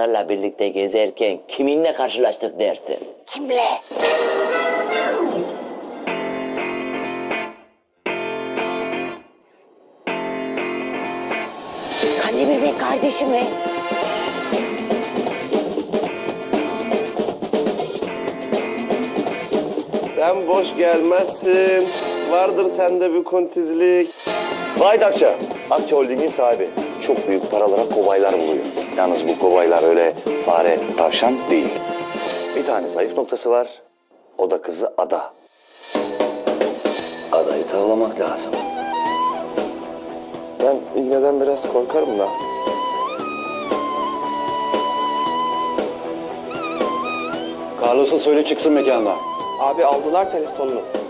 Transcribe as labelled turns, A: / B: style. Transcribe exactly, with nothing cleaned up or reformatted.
A: kızlarla birlikte gezerken kiminle karşılaştık dersin?
B: Kimle? Kandemir Bey kardeşi mi?
C: Sen boş gelmezsin. Vardır sende bir kontizlik.
D: Vahit Akça, Akça Holding'in sahibi. Çok büyük paralara kobaylar buluyor. Yalnız bu kobaylar öyle fare, tavşan değil. Bir tane zayıf noktası var. O da kızı Ada. Adayı tavlamak lazım.
C: Ben iğneden biraz korkarım da.
D: Carlos'a söyle çıksın mekandan.
E: Abi aldılar telefonunu.